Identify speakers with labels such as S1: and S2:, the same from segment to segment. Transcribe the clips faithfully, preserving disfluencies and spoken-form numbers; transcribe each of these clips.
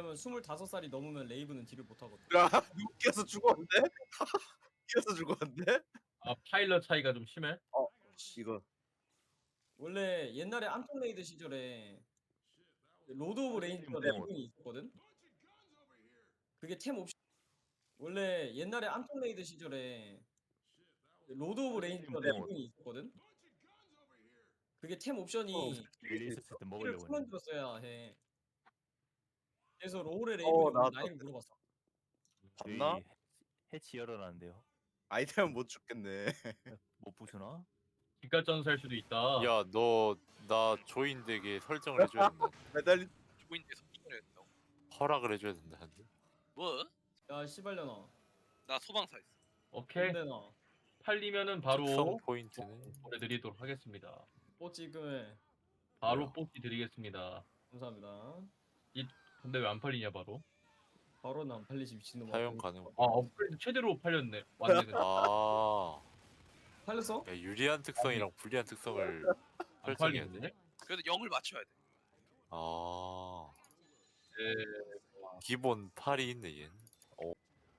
S1: 왜냐면 스물다섯 살이 넘으면 레이브는 딜을 못하거든.
S2: 야, 누구 껴서 죽었는데? 껴서 죽었는데?
S3: 아 파일럿 차이가 좀 심해?
S2: 어, 이거
S1: 원래 옛날에 안톤레이드 시절에 로드 오브 레인지가
S2: 네.
S1: 레이븐이 있었거든? 그게 템 옵션. 원래 옛날에 안톤레이드 시절에 로드 오브 레인지가
S4: 네.
S1: 레이븐이 있었거든? 그게 템 옵션이
S4: 릴리스했을 때
S1: 를
S4: 먹으려고
S1: 풀만
S4: 했는데.
S1: 들었어야 해. 그래서 로울의
S2: 어,
S1: 레이븐이
S2: 나왔다.
S1: 나이를 물어봤어.
S2: 봤나?
S4: 저희 해치 열어놨는데요.
S2: 아이템은 못 죽겠네.
S4: 못 부수나?
S3: 기가 전사일 수도 있다.
S5: 야, 너 나 조인 되게 설정을 해줘야 된다.
S2: 매달리.
S6: 조인데 설정을 해야 된다고?
S5: 허락을 해줘야 된다는데.
S6: 뭐?
S1: 야 씨발려나.
S6: 나 소방사 있어.
S3: 오케이
S1: 근데나
S3: 팔리면은
S5: 특성
S3: 바로
S5: 포인트는
S3: 보내드리도록 하겠습니다.
S1: 뽀찌금을
S3: 바로
S5: 뭐야?
S3: 뽑기 드리겠습니다.
S1: 감사합니다.
S3: 근데 왜 안 팔리냐 바로?
S1: 바로는 안 팔리지 미친놈.
S5: 사용 가능.
S3: 아 업그레이드 최대로 팔렸네. 왔네 근데.
S5: 아,
S1: 팔렸어?
S5: 야, 유리한 특성이랑 불리한 특성을
S3: 안
S5: 설정해야 돼.
S3: 팔리는데?
S6: 그래도 영을 맞춰야 돼.
S5: 아,
S3: 네.
S5: 기본 팔이 있네 얘. 어,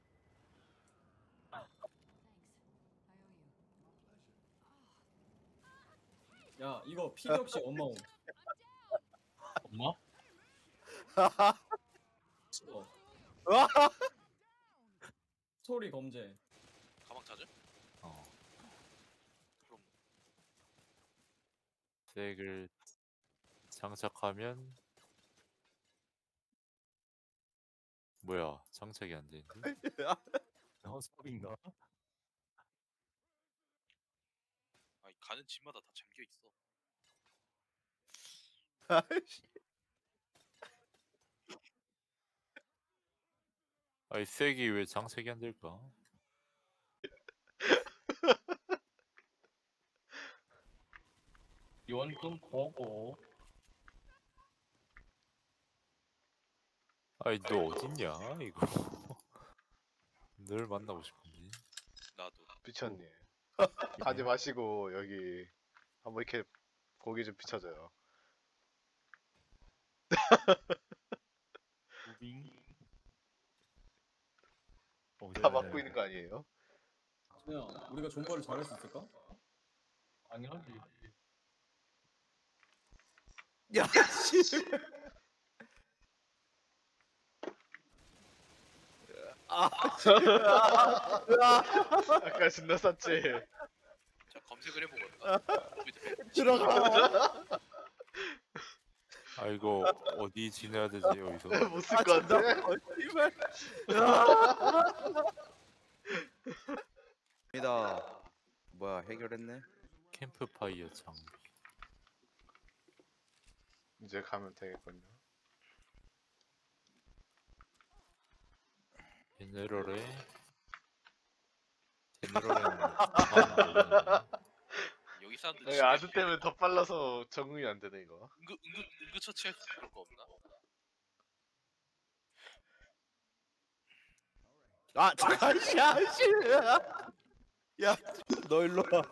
S1: 야 이거 필요 없이 엄마 옴.
S3: 엄마?
S1: 어. 스토리 검제.
S6: 가방 찾아?
S5: 어.
S6: 그럼
S5: 색을 장착하면 뭐야? 장착이 안 되는데?
S4: 허스업인가?
S6: 아니 가는 집마다 다 잠겨 있어.
S2: 아이씨.
S5: 아이 색이 왜 장착이 안 될까?
S3: 이원금 거고.
S5: 아이 너 어딨냐 이거? 늘 만나고 싶은데.
S6: 나도.
S7: 비천님 가지 마시고 여기 한번 이렇게 고기 좀 비춰줘요.
S4: 무빙. 어,
S7: 다 막고 있는 거 아니에요?
S1: 야 우리가 존버를 잘할 수 있을까?
S3: 당연하지.
S2: 야, 씨.
S7: 아까 존나 쌌지.
S6: 자 검색을 해보거든.
S2: 들어가.
S5: 아 이거 어디 지내야 되지 여기서?
S7: 못 쓸 것 같아.
S2: 씨발. 니다. 뭐야 해결했네?
S5: 캠프파이어 장비.
S7: 이제 가면 되겠군요.
S5: 제네럴에 제네럴에는 다음
S6: 여기 사람들
S7: 여기
S6: 집에
S7: 아드 때문에 더 빨라서 적응이 안 되네 이거.
S6: 응급 응급 응급 처치할 수 있는 거 없나?
S2: 아, 잠깐, 야, 씨. 야, 너 일로 와.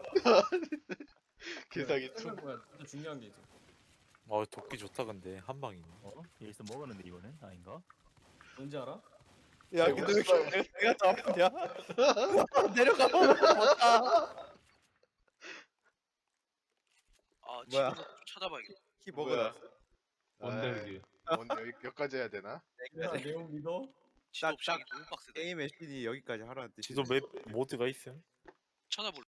S7: 개사기 투.
S1: 뭐야 진짜 중요한 게 있어.
S5: 어 도끼 좋다 근데 한 방이네.
S4: 어? 여기서 먹었는데 이번엔 아닌가?
S1: 뭔지 알아?
S2: 야, 근데 왜 이렇게 내가 더 아프냐? 내려가. 못다.
S6: 아
S2: 뭐야?
S6: 집에서 좀 찾아봐야겠다.
S2: 키
S7: 뭐야?
S2: 먹어놨어.
S3: 뭔데
S7: 아이,
S3: 그게?
S7: 뭔데 여기 여기까지 해야 되나?
S1: 야 내용 믿어?
S6: 지도
S2: 딱,
S6: 없이 하기 너무 빡세다.
S2: 게임의 신이 여기까지 하라는 뜻이.
S5: 지도 맵 모드가 있음?
S6: 찾아볼래?